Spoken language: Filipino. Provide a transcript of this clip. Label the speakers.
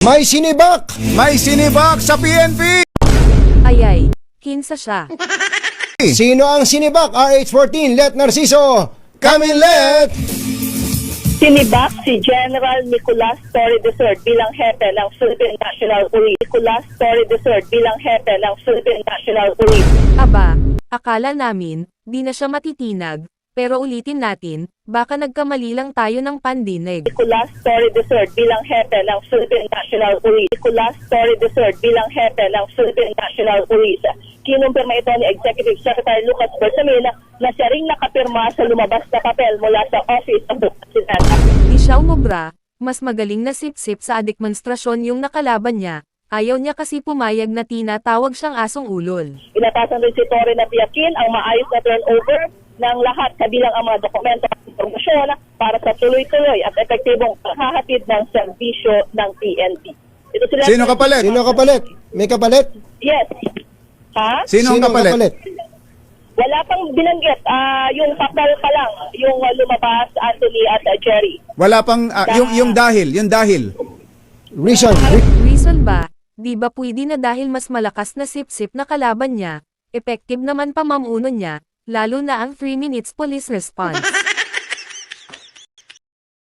Speaker 1: May sinibak!
Speaker 2: May sinibak sa PNP!
Speaker 3: Ayay, kinsa siya.
Speaker 1: Sino ang sinibak? RH14, Let Narciso! Come in, Let!
Speaker 4: Sinibak si General Nicolas Torre III bilang hepe ng Philippine National Police. Nicolas Torre III bilang hepe ng Philippine National Police.
Speaker 3: Aba, akala namin, di na siya matitinag, pero ulitin natin, baka nagkamali lang tayo ng pandinig.
Speaker 4: Nicolas Torre III bilang hepe ng Philippine National Police. Nicolas Torre III bilang hepe ng Philippine National Police. Kinumpirma ito ni Executive Secretary Lucas Bersamin na siya ring nakapirma sa lumabas na papel mula sa Office of the President.
Speaker 3: Di siya umubra, mas magaling na sip-sip sa adikmonstrasyon yung nakalaban niya, ayaw niya kasi pumayag na tinatawag siyang asong ulol.
Speaker 4: Inatasan rin si Torre na tiyakin ang maayos na turnover ng lahat kabilang ang mga dokumento at impormasyon para sa tuloy-tuloy at epektibong paghahatid ng serbisyo ng PNP. Ito sila.
Speaker 2: Sino kapalit?
Speaker 1: Sino kapalit? May kapalit?
Speaker 4: Yes. Ha?
Speaker 2: Sino ang kapalit?
Speaker 4: Wala pang binanggit. Yung papel pa lang, yung lumabas, Anthony at Jerry.
Speaker 2: Wala pang, yung dahil.
Speaker 1: Reason.
Speaker 3: Reason ba? Di ba pwede na dahil mas malakas na sip-sip na kalaban niya, effective naman pa mamuno niya, lalo na ang 3 minutes police response.